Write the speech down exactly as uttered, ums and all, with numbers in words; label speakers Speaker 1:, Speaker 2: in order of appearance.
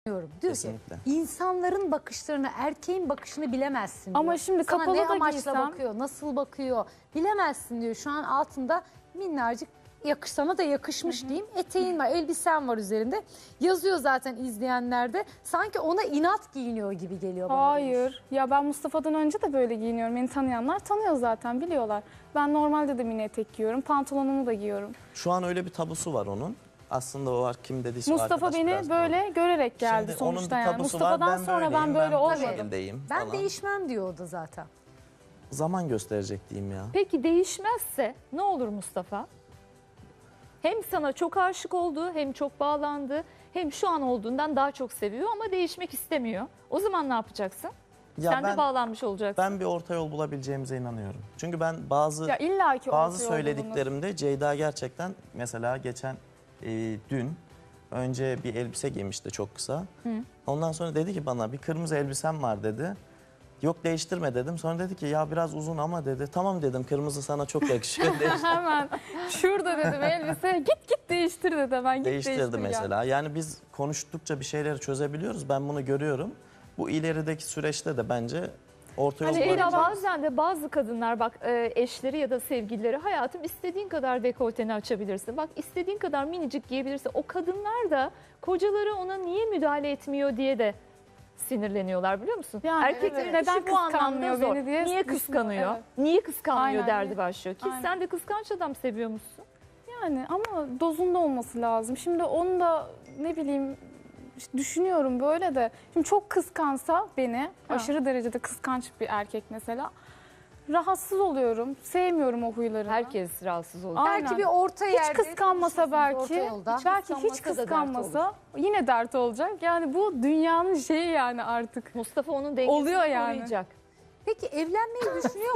Speaker 1: Diyor
Speaker 2: Kesinlikle.
Speaker 1: ki insanların bakışlarını, erkeğin bakışını bilemezsin diyor.
Speaker 3: Ama şimdi
Speaker 1: Sana
Speaker 3: kapalı
Speaker 1: ne
Speaker 3: da
Speaker 1: amaçla
Speaker 3: giysem-
Speaker 1: bakıyor, nasıl bakıyor bilemezsin diyor. Şu an altında minnacık yakış, sana da yakışmış diyeyim. Eteğin var, elbisen var üzerinde. Yazıyor zaten izleyenlerde. Sanki ona inat giyiniyor gibi geliyor bana. demiş.
Speaker 3: Hayır. Ya ben Mustafa'dan önce de böyle giyiniyorum. Beni tanıyanlar tanıyor zaten, biliyorlar. Ben normalde de mini etek giyiyorum. Pantolonumu da giyiyorum.
Speaker 2: Şu an öyle bir tabusu var onun. Aslında o var, kim dediyse o
Speaker 3: Mustafa
Speaker 2: arkadaş
Speaker 3: beni
Speaker 2: biraz
Speaker 3: böyle
Speaker 2: doğru.
Speaker 3: görerek geldi
Speaker 2: Şimdi onun
Speaker 3: sonuçta
Speaker 2: bir
Speaker 3: yani.
Speaker 2: tabusu
Speaker 3: Mustafa'dan
Speaker 2: var, ben
Speaker 3: sonra ben
Speaker 2: böyleyim,
Speaker 3: böyle
Speaker 2: ben bu
Speaker 3: olmadım.
Speaker 2: şekildeyim
Speaker 1: Ben
Speaker 2: falan.
Speaker 1: değişmem diyor o da zaten.
Speaker 2: Zaman gösterecek diyeyim ya.
Speaker 4: Peki değişmezse ne olur Mustafa? Hem sana çok aşık oldu, hem çok bağlandı, hem şu an olduğundan daha çok seviyor ama değişmek istemiyor. O zaman ne yapacaksın?
Speaker 2: Ya
Speaker 4: Sen
Speaker 2: ben,
Speaker 4: de bağlanmış olacaksın.
Speaker 2: ben bir orta yol bulabileceğimize inanıyorum. Çünkü ben bazı
Speaker 3: Ya illaki
Speaker 2: bazı
Speaker 3: orta yol bulunur.
Speaker 2: söylediklerimde Ceyda gerçekten, mesela geçen e, dün önce bir elbise giymişti çok kısa. Ondan sonra dedi ki bana bir kırmızı elbisem var dedi. Yok değiştirme dedim. Sonra dedi ki ya biraz uzun ama dedi. Tamam dedim, kırmızı sana çok yakışıyor. Değiştir.
Speaker 3: Hemen şurada dedim elbise, git git değiştir dedi hemen, git
Speaker 2: Değiştirdi
Speaker 3: değiştir gel.
Speaker 2: mesela. Yani biz konuştukça bir şeyleri çözebiliyoruz. Ben bunu görüyorum. Bu ilerideki süreçte de bence orta yol
Speaker 4: Hani
Speaker 2: bulabiliriz.
Speaker 4: Ela, bazen de bazı kadınlar bak e, eşleri ya da sevgilileri, hayatım istediğin kadar dekolteni açabilirsin. Bak istediğin kadar minicik giyebilirsin. O kadınlar da kocaları ona niye müdahale etmiyor diye de sinirleniyorlar, biliyor musun?
Speaker 3: Yani
Speaker 4: Erkeklerin
Speaker 3: evet.
Speaker 4: işi
Speaker 3: Neden
Speaker 4: bu anlamda
Speaker 3: kıskanmıyor
Speaker 4: zor.
Speaker 3: beni diye
Speaker 4: Niye
Speaker 3: düşünüyor,
Speaker 4: kıskanıyor?
Speaker 3: evet.
Speaker 4: Niye kıskanmıyor
Speaker 3: Aynen,
Speaker 4: derdi
Speaker 3: niye?
Speaker 4: başlıyor. Ki
Speaker 3: Aynen.
Speaker 4: sen de kıskanç adam seviyormuşsun.
Speaker 3: Yani ama dozunda olması lazım. Şimdi onu da ne bileyim işte düşünüyorum böyle de. Şimdi çok kıskansa beni,
Speaker 4: Ha.
Speaker 3: aşırı derecede kıskanç bir erkek mesela, rahatsız oluyorum. Sevmiyorum o huylarını.
Speaker 4: Herkes rahatsız oluyor.
Speaker 3: Aynen.
Speaker 1: Belki bir orta yerde.
Speaker 3: Hiç kıskanmasa
Speaker 1: buluşursunuz, orta
Speaker 3: belki,
Speaker 1: yolda.
Speaker 3: belki hiç
Speaker 4: kıskanmasa da dert
Speaker 3: kıskanmasa yine dert olacak. Yani bu dünyanın şeyi yani artık.
Speaker 4: Mustafa onun dengesini
Speaker 3: Oluyor yani.
Speaker 4: koruyacak.
Speaker 1: Peki evlenmeyi düşünüyor